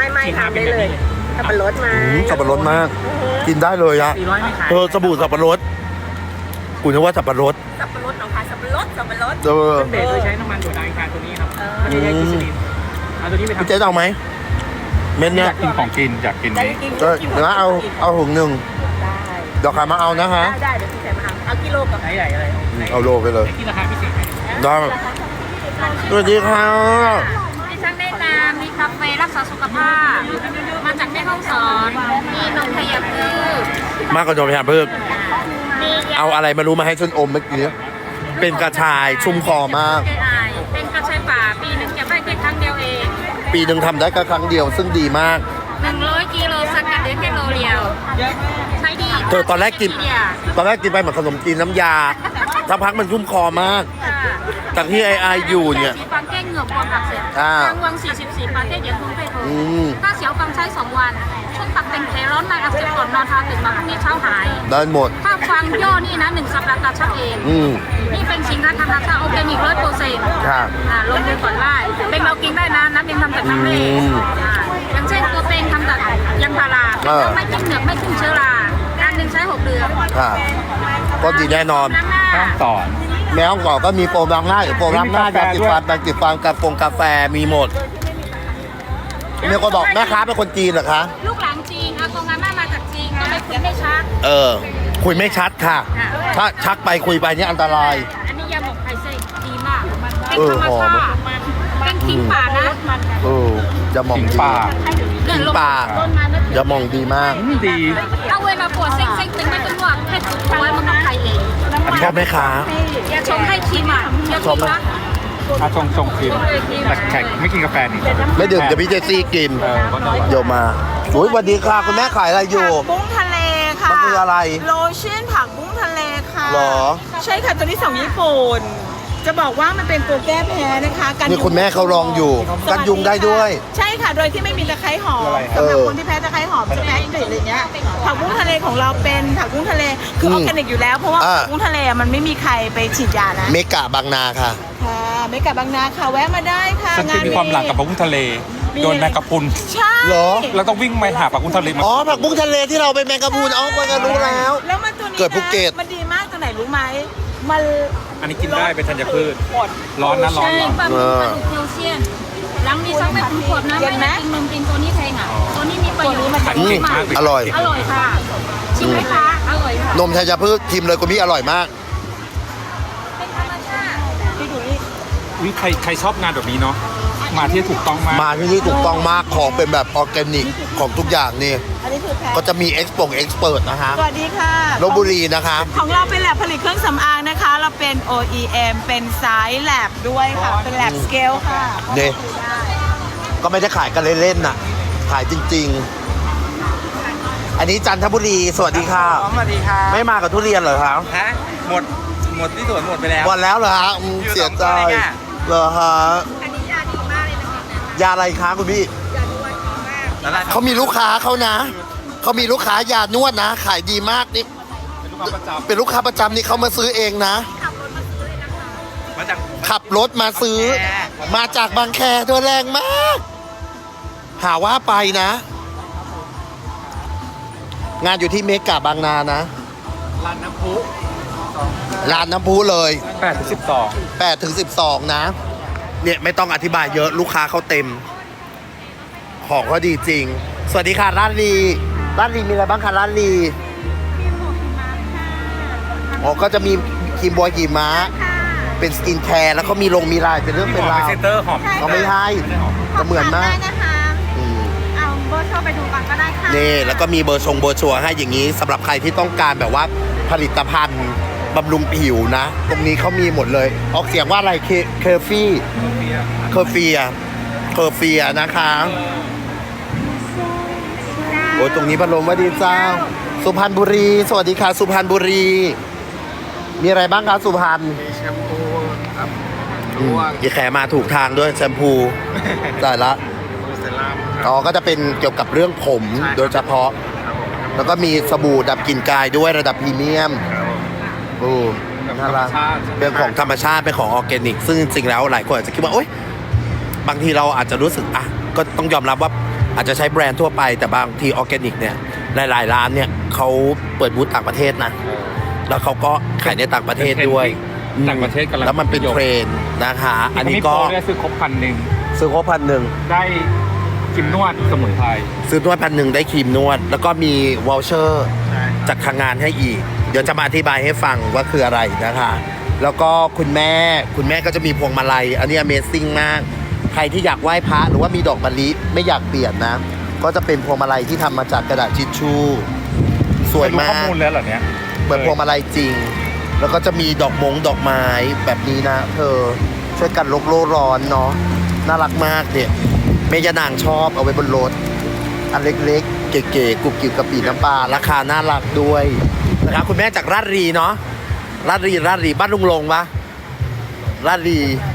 ไม่ทำได้เลยสับปะรดมาสับปะรดมาก กินได้เลยอะ 400ไม่ขายสบู่สับปะรดกูนึกว่าสับปะรดสับปะรดหนองคายสับปะรดเบสโดยใช้น้ำมันถั่วดาวอังคารตัวนี้ครับไม่ได้ใช้กิสลินเอาตัวนี้ไปพี่ทำเจ๊เอาไหมเม็ดอเนี้ยยากกินของกินอยากกินได้นี้กินเดี๋ยวนะเอาถุงหนึ่งได้เดี๋ยวใครมาเอานะฮะได้เดี๋ยวพี่แซมมาเอากิโลกับไหนใหญ่อะไรเอาโลไปเลยที่ราคาพิเศษได้สวัสดีค่ะดิฉันได้ตามมีคาเฟ่รักษาสุขภาพ มาจากแม่ฮ่องสอน มีนมขยับพืชมากกว่าโดนพยาเพิ่มมียาเอาอะไรมารู้มาให้ฉันอมเมื่อกี้เป็นกระชายชุ่มคอมากเป็นกระชายป่า ปีหนึ่งเก็บได้แค่ครั้งเดียวเองปีหนึ่งทำได้แค่ครั้งเดียวซึ่งดีมาก 100กิโลสกัดได้แค่โลเดียว ใช้ดีเธอตอนแรกกินไปเหมือนขนมจีนน้ำยาสักพักมันชุ่มคอมาก จากที่ไออยู่เนี่ยสีฟังแก้เหงือกบวมอักเสบอ่าทางวัง44ประเทศเดี๋ยวคุณไปโทรอืมถ้าเสียวฟังใช้2 วัน ช่วงตักเป็นแผลร้อนในอักเสบก่อนนอนทาตื่นมาพรุ่งนี้เช้าหายได้หมดถ้าฟังย่อนี่นะ1 สัปดาห์ตัดชักเองอืมนี่เป็นสินค้าธรรมชาติออร์แกนิก100% ค่ะลงดูก่อนได้เป็นเรากินได้นะน้ำเป็นทำจากน้ำเหลอืมอย่างเช่นตัวเป็นทำจากยางพารา ไม่กินเหนือกไม่ขึ้นเชื้อราการหนึ่งใช้ 6 เดือนค่ะก็ดีแน่นอนน้ำหน้าต้องสอนแมวก่อนก็มีโฟมล้างหน้าหรือโฟมล้างหน้ายาสีฟันแปรงสีฟันกาแฟมีหมดมีคนบอกแม่ค้าเป็นคนจีนเหรอคะลูกหลานจีนอากงอาม่ามาจากจีนก็เลยคุยไม่ชัดคุยไม่ชัดค่ะ ถ้าชักไปคุยไปนี่อันตรายอันนี้ยาหมกไข่เส้นดีมาก เป็นเออธรรมหอมชาติเป็นขิงป่านะจะมองขิงดีป่าขิงป่าจะมองดีมากดีถ้าเวลาปวดเส้นตึงไม่ต้องนวดแค่จุดไว้มันก็ไข่เองชอบไหมคะอย่าชงให้ชิมอ่ะอย่าชิมนะอาชงกินแต่แขกไม่กินกาแฟนี่ไม่ดื่มเดี๋ยวพี่เจสซี่กินก็ได้โยมมาอุ้ยสวัสดีค่ะคุณแม่ขายอะไรอยู่ผักบุ้งทะเลค่ะมันคืออะไรโลชั่นผักบุ้งทะเลค่ะหรอใช่ค่ะตัวนี้ของญี่ปุ่น จะบอกว่ามันเป็นตัวแก้แพ้นะคะกันนี่ยุงคุณแม่เขาลองอยู่กันยุงได้ด้วยใช่ค่ะ โดยที่ไม่มีตะไคร้หอมสำหรับคนที่แพ้ตะไคร้หอมจะแพ้กลิ่นอะไรเงี้ยผักบุ้งทะเลของเราเป็นผักบุ้งทะเลคือออร์แกนิกอยู่แล้วเพราะว่าผักบุ้งทะเลมันไม่มีใครไปฉีดยานะเมกะบางนาค่ะค่ะไม่กลับบางนาค่ะแวะมาได้ค่ะฉันจะมีความหลังกับปลากุ้งทะเล โดนแมงกะพรุนใช่เหรอเราต้องวิ่งไปหาปลากุ้งทะเลมาอ๋อผักบุ้งทะเลที่เราไปแมงกะพรุนอ๋อคนก็รู้แล้วแล้วมันตัวนี้นะเกิดภูเก็ตมันดีมากตัวไหนรู้ไหมมันอันนี้กินได้เป็นธัญพืช ร้อนนะร้อนใช่ร้อนปลาหมึกปลาดุกแคลเซียมหลังมีซักไม่ถึงขวดนะไม่ได้กินนมกินตัวนี้แพงอ่ะ ตัวนี้มีประโยชน์ขายอืมเก่งมากเลยอร่อยอร่อยค่ะ ชิมไหมคะ อร่อยค่ะนมชัยพืชทิมเลยคุณพี่อร่อยมากเป็นธรรมชาติอุ๊ยใครชอบงานแบบนี้เนาะ มาที่ถูกต้องมากมาที่นี่ถูกต้องมากของเป็นแบบออร์แกนิกของทุกอย่างนี่อันนี้คือแพ้ก็จะมีเอ็กซ์เปิดนะคะสวัสดีค่ะลบบุรีนะคะของเราเป็นแลบผลิตเครื่องสำอางนะคะ เราเป็น OEM เป็นสายแลบด้วยค่ะ เป็นแลบสเกลค่ะนี่ก็ไม่ได้ขายกันเล่นๆน่ะ ขายจริงๆ อันนี้จันทบุรีสวัสดีค่ะสวัสดีครับไม่มากับทุเรียนเหรอครับฮะหมดที่สวนหมดไปแล้ววันแล้วเหรอฮะเสียใจอยู่สองตัวเองอะเหรอฮะยาอะไรคะคุณพี่แล้วล่ะเขามีลูกค้าเขานะเขามีลูกค้ายานวดนะ ขายดีมากนี่เป็นลูกค้าประจำเป็นลูกค้าประจำนี่เขามาซื้อเองนะมาจากขับรถมาซื้อ มาจากบางแคเธอแรงมาก หาว่าไปนะ งานอยู่ที่เมกะบางนานะร้านน้ำพุร้านน้ำพุเลย 8-12 8 ถึง 12 นะ เนี่ยไม่ต้องอธิบายเยอะลูกค้าเขาเต็ม ของก็ดีจริง สวัสดีค่ะร้านลีร้านลีมีอะไรบ้างคะร้านลีอ๋อก็จะมีครีมบัวหิมะเป็นสกินแคร์แล้วก็มีมีลายเป็นเรื่องเป็นหอมราเป็นวเซนเตอร์หอมก็ไม่ให้แต่เหมือนมากนะคะอืมเอาเบอร์โทรไปดูก่อนก็ได้ค่ะนี่แล้วก็มีเบอร์ชัวร์ให้อย่างนี้สำหรับใครที่ต้องการแบบว่าผลิตภัณฑ์บำรุงผิวนะ ตรงนี้เขามีหมดเลย ออกเสียงว่าอะไรเคอร์เฟียนะคะโอ้ยตรงนี้พัดลมว่าดีเจ้า สุพรรณบุรี สวัสดีค่ะสุพรรณบุรี มีอะไรบ้างคะสุพรรณแชมพูครับอีแขมาถูกทางด้วยแชมพูได้ละเซรั่มอ๋อก็จะเป็นเกี่ยวกับเรื่องผมใช่ครับโดยเฉพาะ แล้วก็มีสบู่ดับกลิ่นกายด้วยระดับพรีเมียมโอ้น่ารักเป็นของธรรมชาติเป็นของออร์แกนิก ซึ่งจริงๆแล้วหลายคนอาจจะคิดว่าโอ๊ยบางทีเราอาจจะรู้สึกอ่ะก็ต้องยอมรับว่าอาจจะใช้แบรนด์ทั่วไปแต่บางทีออร์แกนิกเนี่ยหลายๆร้านเนี่ยเขาเปิดบูธต่างประเทศนะแล้วเขาก็ขายในต่างประเทศด้วยต่างประเทศกำลังแล้วมันเป็นเทรนด์นะคะ อันนี้ก็ได้ซื้อครบ1,000 ซื้อครบ1,000 ได้ครีมนวดสมุนไพรซื้อนวด1,000ได้ครีมนวด แล้วก็มีวอลเชอร์จากทางงานให้อีก เดี๋ยวจะมาอธิบายให้ฟังว่าคืออะไรนะคะ แล้วก็คุณแม่ก็จะมีพวงมาลัย อันนี้ Amazing มาก ใครที่อยากไหว้พระหรือว่ามีดอกมะลิไม่อยากเปลี่ยนนะ ก็จะเป็นพวงมาลัยที่ทำมาจากกระดาษทิชชู่สวยมาข้อก มูลแล้วเหรอเนี่ยเหมือนพวงมาลัยจริง แล้วก็จะมีดอกไม้แบบนี้นะเธอช่วยกันโลกโลร้อนเนาะน่ารักมากเนี่ยแม่ยานางชอบเอาไว้บนรถอันเล็กๆเก๋ๆกรุบกริบกะปิน้ำปลาราคาน่ารักด้วยนะครับคุณแม่จากราชรีเนาะราชรีบ้านลุงลงปะราชรี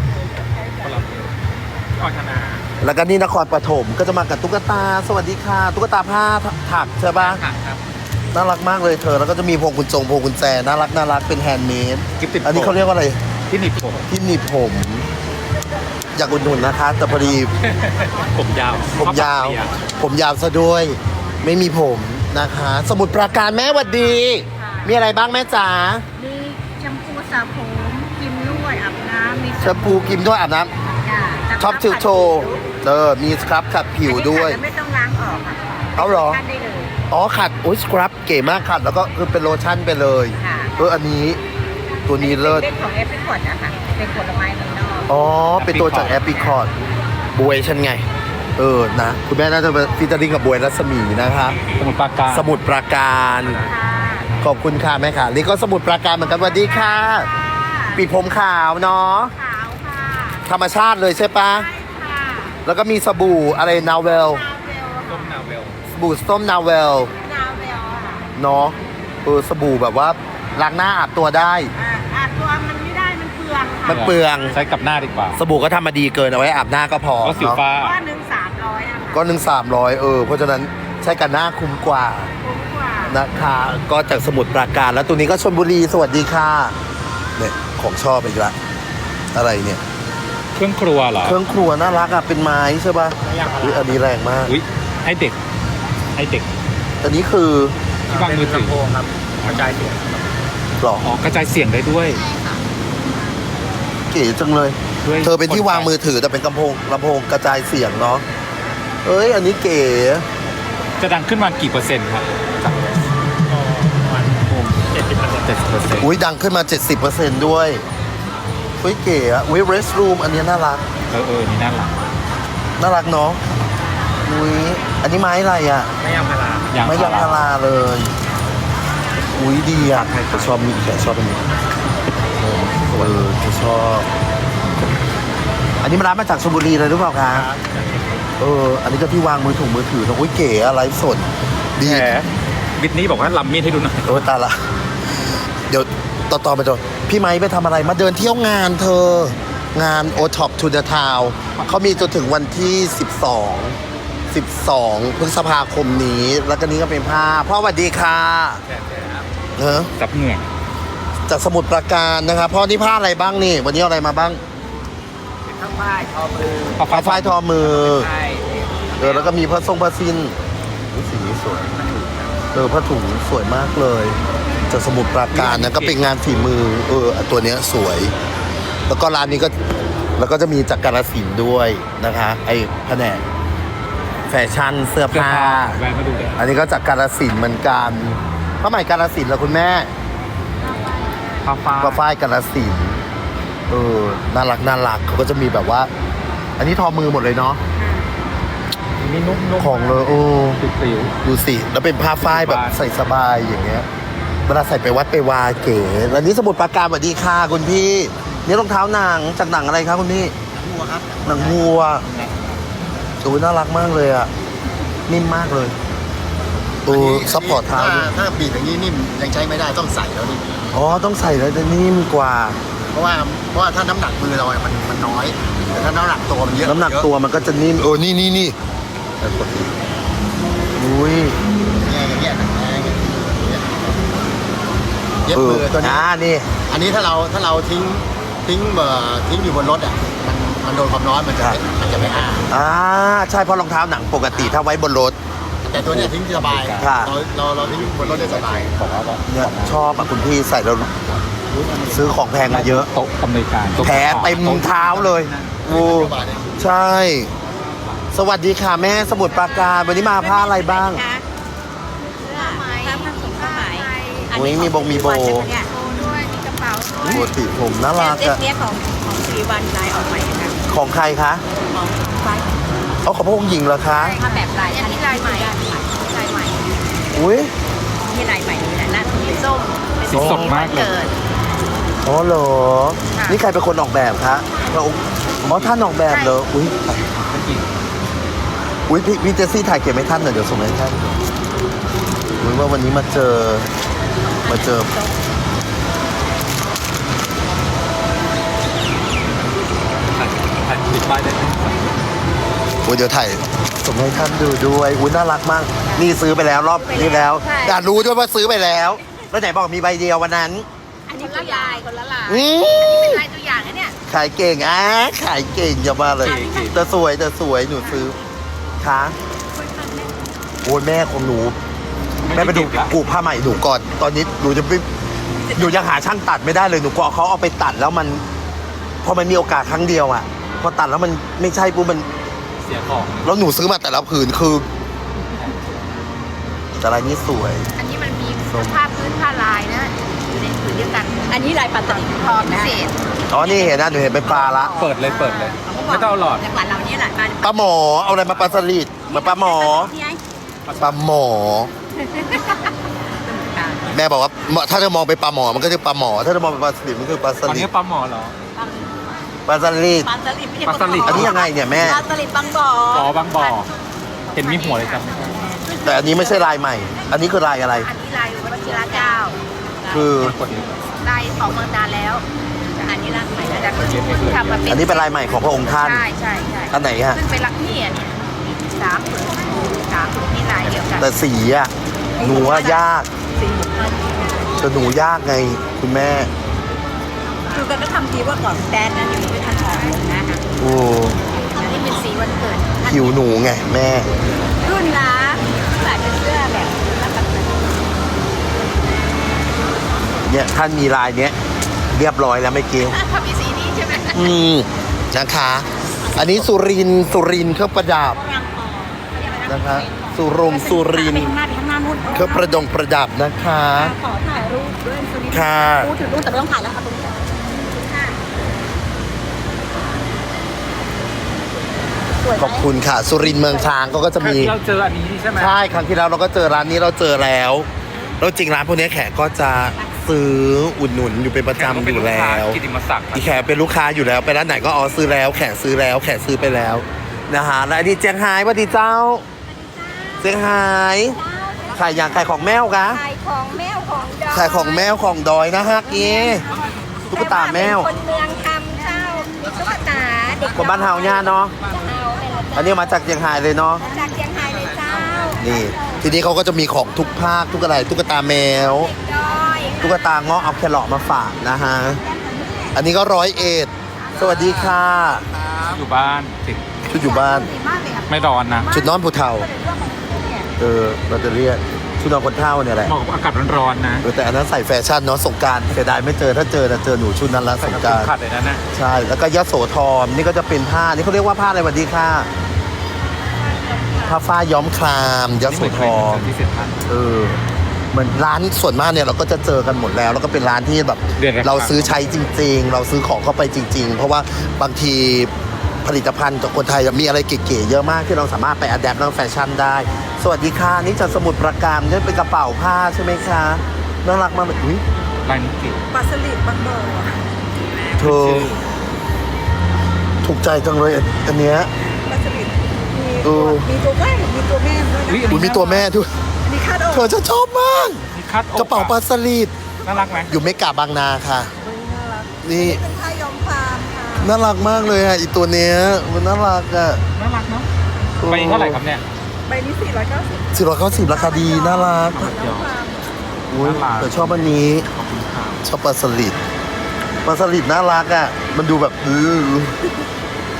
ก่อนธนาแล้วก็นี่นครปฐมก็จะมากับตุ๊กตาสวัสดีค่ะตุ๊กตาผ้าถักใช่ปะครับน่ารักมากเลยเธอแล้วก็จะมีพวงกุญแจน่ารักเป็นแฮนด์เมดกิ๊บติดอันนี้เขาเรียกว่าอะไรที่หนีบผมที่หนีบผม อยากอุดหนุนนะคะ แต่พอดีผมยาวผมยาวซะด้วย ไม่มีผมนะคะ สมุดปราการแม่หวัดดี มีอะไรบ้างแม่จ๋ามีแชมพูสระผมครีมนวดอาบน้ำมีแชมพูกิมด้วยอาบน้ำช็อปชิลโชว์มีสครับขัดผิวด้วยไม่ต้องล้างออกค่ะเอาเหรอทานได้เลยอ๋อขัดอุ้ยสครับเก๋มากขัดแล้วก็คือเป็นโลชั่นไปเลยค่ะอันนี้ตัวนี้เลิศเป็นของเอฟริคอร์ดนะคะเป็นผลไม้เมืองนอกอ๋อ เป็นตัวจากแอปพลิคอร์ดบวยฉันไง นะ คุณแม่น่าจะฟิชเจอริ่งกับบวยรัศมีนะคะสมุนปราการสมุดปราการค่ะขอบคุณค่ะแม่ค่ะ นี่ก็สมุดปราการเหมือนกันสวัสดีค่ะ ปีกผมขาวเนาะขาวค่ะธรรมชาติเลยใช่ปะใช่ค่ะแล้วก็มีสบู่อะไรนาเวลต้มนาเวลสบู่ส้มนาเวลนาวเวลค่ะเนาะสบู่แบบว่าล้างหน้าอาบตัวได้อาบตัวมันไม่ได้มันเปลืองค่ะมันเปลืองใช้กับหน้าดีกว่าสบู่ก็ทำมาดีเกินเอาไว้อาบหน้าก็พอก็สิวเนาะฟ้าก้อนหนึ่ง300นะคะก็1,300เพราะฉะนั้นใช้กันหน้าคุ้มกว่าคุ้มกว่านะคะก็จากสมุทรปราการแล้วตัวนี้ก็ชลบุรีสวัสดีค่ะเนี่ยของชอบอีกละอะไรเนี่ยเครื่องครัวเหรอเครื่องครัวน่ารักอ่ะเป็นไม้ใช่ป่ะอุ๊ยอันนี้แรงมากอุ้ยให้เด็กอันนี้คือที่วางมือถือครับกระจายเสียงหรออ๋อกระจายเสียงได้ด้วยเก๋จังเลยด้วยเธอเป็นที่วางมือถือแต่เป็นลำโพงกระจายเสียงเนาะเอ้ยอันนี้เก๋จะดังขึ้นมากี่เปอร์เซ็นต์ครับ70% อุ้ยดังขึ้นมา 70%ด้วยเฮ้ยเก๋อะอุ้ยเรสรูมอันนี้น่ารักนี่น่ารักน่ารักเนาะอุ้ยอันนี้ไม้อะไรอ่ะไม่ยางพาราไม่ยางพาราเลย อุ้ยดีอ่ะจะชอบมีแขกชอบอันนี้จะชอบ อันนี้มันร้านมาจากชลบุรีเลยหรือเปล่าคะอันนี้ก็ที่วางมือถือนะอุ้ยเก๋อะไรสดดีแหมบิทนี่บอกว่าลำมีดให้ดูหน่อยโอ้ยตายละ เดี๋ยวต่อไปจนพี่ไม้ไปทำอะไรมาเดินเที่ยวงานเธอ งาน o t o p to the Town เขามีจนถึงวันที่ 12 พฤษภาคมนี้ แล้วก็นี้ก็เป็นผ้าพ่อสวัสดีค่ะเนอะจับเหงื่อจากสมุทรปราการนะครับพ่อนี่ผ้าอะไรบ้างนี่ วันนี้เอาอะไรมาบ้างทั้งป้ายทอมือผ้าฝ้ายทอมือใช่แล้วก็มีผ้าสิ้นอุ๊ยสีนี้สวยผ้าถุงสวยมากเลยจากสมุทรปราการนะก็เป็นงานฝีมือตัวเนี้ยสวย แล้วก็ร้านนี้ก็แล้วก็จะมีจากกาฬสินธุ์ด้วยนะคะไอ้แผนกแฟชั่นเสื้อผ้าแวะมาดูได้อันนี้ก็จากกาฬสินธุ์เหมือนกันผ้าไหมกาฬสินธุ์แล้วคุณแม่ผ้าฟ้าผ้าฝ้ายกาฬสินธุ์น่ารักเขาก็จะมีแบบว่า อันนี้ทอมือหมดเลยเนาะนี่นุ่มของเลยติ๋วดูสิแล้วเป็นผ้าฝ้ายแบบใส่สบายอย่างเงี้ยเวลาใส่ไปวัดไปวาเก๋แล้วนี่สมุทรปราการสวัสดีค่ะคุณพี่นี่รองเท้าหนังจากหนังอะไรครับคุณพี่หัวครับหนังวัวโอ้ยน่ารักมากเลยอ่ะนิ่มมากเลยซัพพอร์ตเท้าด้วยถ้าบีบอย่างนี้นิ่มยังใช้ไม่ได้ต้องใส่แล้วนี่อ๋อต้องใส่แล้วจะนิ่มกว่าเพราะว่าถ้าน้ำหนักมือเราอะมันน้อย แต่ถ้าน้ำหนักตัวมันเยอะน้ำหนักตัวมันก็จะนิ่มนี่อุ้ยอย่างเงี้ยเย็บมือตัวนี้นี่อันนี้ถ้าเราทิ้งอยู่บนรถอ่ะมันโดนความร้อนมันจะไม่อ้าใช่เพราะรองเท้าหนังปกติถ้าไว้บนรถแต่ตัวเนี้ยทิ้งสบายค่ะเราทิ้งบนรถได้สบายเนี่ยชอบอ่ะคุณพี่ใส่แล้วซื้อของแพงมาเยอะโต๊ะอำนวยการโต๊ะแผลเต็มเท้าเลยโอ้ใช่ สวัสดีค่ะแม่สมุทรปราการวันนี้มาผ้าอะไรบ้างผ้าถุงผ้าไหมอุ๊ยมีบงมีโบเนี่ยโบด้วยมีกระเป๋าด้วยปกติผมน่ารักเซ็ตอะเนี้ยของสิริวัลลายออกใหม่นะของใครคะของไฟเอาของพระองค์หญิงเหรอคะผ้าแบบลายอันนี้ลายใหม่ลายใหม่อุ้ยนี่ลายใหม่นี่แหละหน้าสีส้มสีสดมากเลยเกิดอ๋อเหรอค่ะนี่ใครเป็นคนออกแบบคะพระองค์อ๋อท่านออกแบบเหรออุ้ยพี่เจสซี่ถ่ายเก็บให้ท่านหน่อยเดี๋ยวส่งให้ท่านอุ้ยว่าวันนี้มาเจอถ่ายติดป้ายได้ไหมอุ้ยเดี๋ยวถ่ายส่งให้ท่านดูด้วยอุ้ยน่ารักมาก นี่ซื้อไปแล้วรอบนี้แล้วอยากรู้ด้วยว่าซื้อไปแล้วแล้วไหนบอกมีใบเดียววันนั้นอันนี้คนละลายคนละลายอืมลายตัวอย่างนะเนี่ยขายเก่งขายเก่งอย่ามาเลยแต่สวยหนูซื้อคะโอ้ยแม่ของหนูแม่ไปดูกูผ้าใหม่หนูก่อน ตอนนี้หนูยังหาช่างตัดไม่ได้เลยหนูกลัวเขาเอาไปตัดแล้วมันพอมันมีโอกาสครั้งเดียวอ่ะพอตัดแล้วมันไม่ใช่ปุ๊บมันเสียของแล้วหนูซื้อมาแต่ละผืนคือแต่ลายนี้สวยอันนี้มันมีผ้าพื้นผ้าลายนะอยู่ในผืนเดียวกัน อันนี้ลายปัตตานีพอพิเศษอ๋อนี่เห็นนะหนูเห็นเป็นปลาละเปิดเลยไม่ต้องเอาหลอดจังหวัดเรานี่แหละมาปลาหมอเอาอะไรมาปลาสลิดมาปลาหมอที่ไงปลาหมอ แม่บอกว่าถ้าจะมองไปปลาหมอมันก็คือปลาหมอ ถ้าจะมองไปปลาสลิดมันคือปลาสอันลินี้ดปลาหมอเหรอปลาสลิดปลาสลิดไม่ใช่ปลาสลิดอันนี้ยังไงเนี่ยแม่ปลาสลิดบางบ่ออ๋อบางบ่อ เห็นมีหัวเลยครับแต่อันนี้ไม่ใช่ลายใหม่ อันนี้คือลายอะไรอันนี้ลายวชิระเจ้าคือลายของเมืองนานแล้ว อันนี้ลายใหม่แล้วแต่เพิ่งทำมาเป็นอันนี้เป็นลายใหม่ของพระองค์ท่านใช่ใช่อันไหนฮะขึ้นไปรักพี่อ่ะเนี่ย3 ผืนนี่ลายเดียวกันแต่สีอะหนูว่ายากสีหมุนมันแต่หนูยากไงคุณแม่คือกันก็ทำทีว่าก่อนแดนนั้นยังไม่ทันออกเลยนะคะโอ้อันนี้เป็นสีวันเกิดผิวหนูไงแม่รุ่นละใส่เป็นเสื้อแบบรับประกันเนี่ยท่านมีลายเนี้ยเรียบร้อยแล้วไม่เกี่ยวเขามีสีนี้ใช่ไหมนะคะ อันนี้สุรินทร์เครื่องประดับนะคะสุรินทร์ข้างหน้านู่นเครื่องประดับนะคะขอถ่ายรูปด้วยสุรินทร์ค่ะพูดถึงรูปแต่ไม่ต้องถ่ายแล้วค่ะตรงนี้สวยไหมขอบคุณค่ะ สุรินทร์เมืองช้างก็จะมีเราเจออันนี้ใช่ไหมใช่ครั้งที่แล้วเราก็เจอร้านนี้เราเจอแล้วแล้วจริงร้านพวกนี้แขกก็จะซื้ออุดหนุนอยู่เป็นประจำอยู่แล้วกิติมศักดิ์อีแขกเป็นลูกค้าอยู่แล้วไปร้านไหนก็อ๋อซื้อแล้วแขกซื้อแล้วแขกซื้อไปแล้วนะฮะแล้วอันนี้เจียงไฮ้สวัสดีเจ้าเจียงไฮ้ขายอย่างขายของแมวกะขายของแมวของดอยขายของแมวของดอยนะฮะกี้ตุ๊กตาแมวคนเมืองทำเช่ามีตุ๊กตาเด็กคนบ้านเฮาเนี่ยเนาะจะเอาไปละอันนี้มาจากเจียงไฮ้เลยเนาะจากเชียงรายเลยเจ้านี่ทีนี้เขาก็จะมีของทุกภาคทุกอะไรตุ๊กตาแมวดอยตุ๊กตาเงาะเอาแครอทมาฝากนะฮะอันนี้ก็101สวัสดีค่ะอยู่บ้านติดชุดอยู่บ้านไม่ร้อนนะชุดนอนผู้เฒ่าเราจะเรียกชุดนอนคนเฒ่าเนี่ยแหละเหมาะกับอากาศร้อนๆนะแต่อันนั้นใส่แฟชั่นเนาะสงกรารเสียดายไม่เจอถ้าเจอจะเจอหนูชุดนั้นละใส่สงกับกรารขัดเลยนะเนี่ยใช่แล้วก็ยโสธรนี่ก็จะเป็นผ้านี่เขาเรียกว่าผ้าอะไรสวัสดีค่ะผ้าฝ้ายย้อมครามยโสธรที่เซ็นทรัลเหมือนร้านส่วนมากเนี่ยเราก็จะเจอกันหมดแล้ว แล้วก็เป็นร้านที่แบบเดือนละครั้งเราซื้อใช้จริง ๆ เราซื้อของเข้าไปจริง ๆ เพราะว่าบางทีผลิตภัณฑ์จากคนไทยมีอะไรเก๋ๆเยอะมากที่เราสามารถไปอัดแอปเรื่องแฟชั่นได้ สวัสดีค่ะนี่จากสมุทรปราการนี่เป็นกระเป๋าผ้าใช่ไหมคะน่ารักมากเลยอุ๊ยลายนิกิปลาสลิดบางบ่อเธอถูกใจจังเลยอันเนี้ยปลาสลิดมีเออมีตัวแม่มีตัวแม่ด้วยนะอุ๊ยมีตัวแม่ด้วยมีคาดอกเธอจะชอบมากมีคัดอกระเป๋าปลาสลิดน่ารักไหมอยู่เมกาบางนาค่ะ นี่เป็นผ้าย้อมฟาร์มค่ะน่ารักมากเลยอ่ะอีตัวเนี้ยมันน่ารักอ่ะน่ารักเนาะไปเท่าไหร่ครับเนี่ยใบนี้490 490ราคาดีน่ารักเดี๋ยวอุ้ยน่ารักแต่ชอบอันนี้ขอบคุณครับชอบปลาสลิดน่ารักอ่ะมันดูแบบ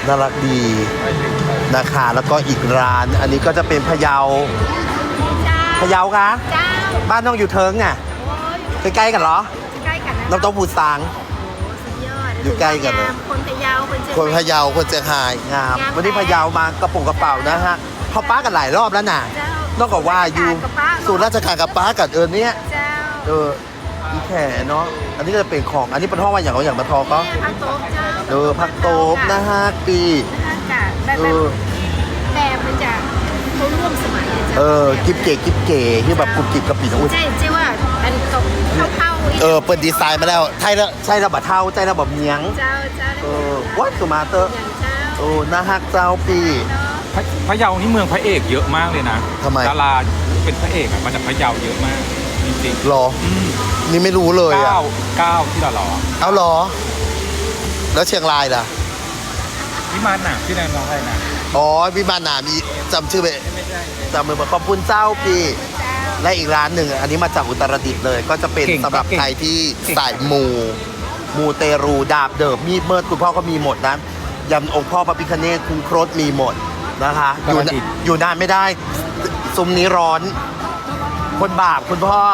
น่ารักดีนะคะแล้วก็อีกร้านอันนี้ก็จะเป็นพะเยาคะเจ้าบ้านน้องอยู่เทิงอ่ะใกล้ๆกันเหรอใกล้กันนะน้ำเต้าหู้ซางสุดยอดอยู่ใกล้กันเลยคนพะเยาคนเชียงคนใหม่พะเยาคนเชียงรายงามงามวันนี้พะเยามากระปุกกระเป๋านะฮะเขาป้ากันหลายรอบแล้วน่ะเจ้านอกจากว่าอยู่ศูนย์ราชการกับป้ากับเนี้ยเจ้าอีแขเนาะอันนี้ก็จะเป็นของอันนี้เป็นห้องว่าอย่างเขาอย่างมาทอก็แม่พักโต๊ะเจ้าพักโต๊บนะฮะปีค่ะแบบเออแบบมันจะเขาร่วมสมัยอะเจ้ากิ๊บเก๋ที่แบบกรุบกริบกระปิดอุ้ยใช่ใช่ว่าอันเข้าอีกเปิดดีไซน์มาแล้วใช่แล้วบัดเท่าใช่แล้วแบบเมียงเจ้าเจ้าวัดสุมาเตอร์อย่างเจ้านะฮักเจ้าปีเนาะพะเยานี่เมืองพระเอกเยอะมากเลยนะทำไมดาราเป็นพระเอกอะมาจากพะเยาเยอะมากจริงหรอ นี่ไม่รู้เลยๆอ่ะเก้าที่เราหล่อเอาหรอ แล้วเชียงรายล่ะวิมานหนามที่ไหนน้องไทยนะอ๋อวิมานหนามอีจำชื่อไปจำมือมาขอบคุณเจ้าปีและอีกร้านหนึ่งอันนี้มาจากอุตรดิตถ์เลย ก็จะเป็นสำหรับใครที่สายมูเตรูดาบเดิมมีดเมิดคุณพ่อก็มีหมดนะยำองค์พ่อพระพิฆเนศคุณโครสมีหมดนะคะอยู่นานไม่ได้ซุ้มนี้ร้อน คนบาปคุณพ่อ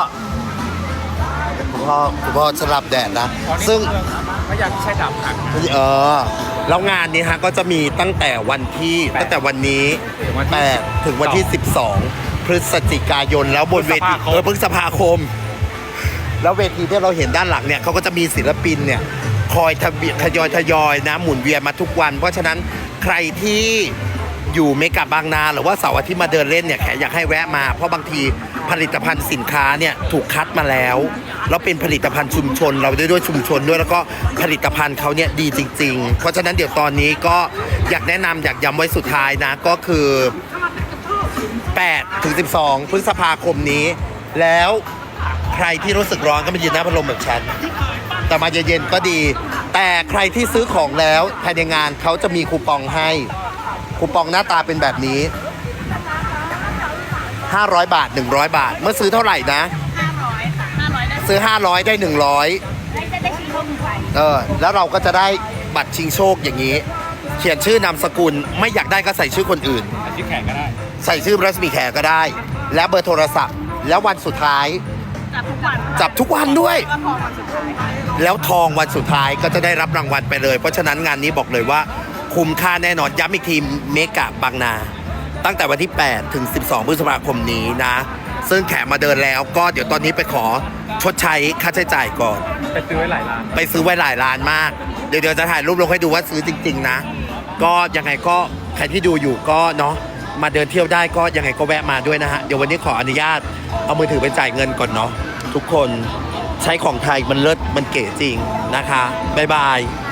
สลับแดดนะอ๋อนี่ซึ่งเมืองพระเยาที่ใช่ดาบหักนะแล้วงานนี้ฮะก็จะมีตั้งแต่วันที่ตั้งแต่วันนี้ 8 ถึงวันที่ 12 พฤศจิกายนแล้วบนเวทีพฤษภาคม แล้วเวทีที่เราเห็นด้านหลังเนี่ยเขาก็จะมีศิลปินเนี่ยคอยทยอยนะหมุนเวียนมาทุกวัน เพราะฉะนั้นใครที่อยู่เมกะบางนาหรือว่าเสาร์อาทิตย์มาเดินเล่นเนี่ยแขกอยากให้แวะมาเพราะบางทีผลิตภัณฑ์สินค้าเนี่ยถูกคัดมาแล้วแล้วเป็นผลิตภัณฑ์ชุมชนเราด้วยชุมชนด้วยแล้วก็ผลิตภัณฑ์เขาเนี่ยดีจริงๆเพราะฉะนั้นเดี๋ยวตอนนี้ก็อยากแนะนำอยากย้ำไว้สุดท้ายนะก็คือ8 ถึง 12 พฤษภาคมนี้แล้วใครที่รู้สึกร้อนก็มายืนหน้าพัดลมแบบฉันแต่มาเย็นๆก็ดีแต่ใครที่ซื้อของแล้วภายในงานเขาจะมีคูปองให้คูปองหน้าตาเป็นแบบนี้500 บาท100 บาทเมื่อซื้อเท่าไหร่นะซื้อ500ได้100แล้วเราก็จะได้บัตรชิงโชคอย่างนี้เขียนชื่อนามสกุลไม่อยากได้ก็ใส่ชื่อคนอื่นที่แข่งก็ได้ใส่ชื่อรัศมีแขก็ได้และเบอร์โทรศัพท์แล้ววันสุดท้ายจับทุกวันด้วยแล้วทองวันสุดท้ายก็จะได้รับรางวัลไปเลยเพราะฉะนั้นงานนี้บอกเลยว่าคุ้มค่าแน่นอนย้ำอีกทีเมกะบางนาตั้งแต่วันที่8 ถึง 12 พฤษภาคมนี้นะซึ่งแขกมาเดินแล้วก็เดี๋ยวตอนนี้ไปขอชดใช้ค่าใช้จ่ายก่อนไปซื้อไว้หลายร้านไปซื้อไว้หลายร้านมากเดี๋ยวจะถ่ายรูปลงให้ดูว่าซื้อจริงๆนะก็ยังไงก็ใครที่ดูอยู่ก็เนาะมาเดินเที่ยวได้ก็ยังไงก็แวะมาด้วยนะฮะเดี๋ยววันนี้ขออนุญาตเอามือถือไปจ่ายเงินก่อนเนาะทุกคนใช้ของไทยมันเลิศมันเก๋จริงนะคะบ๊ายบาย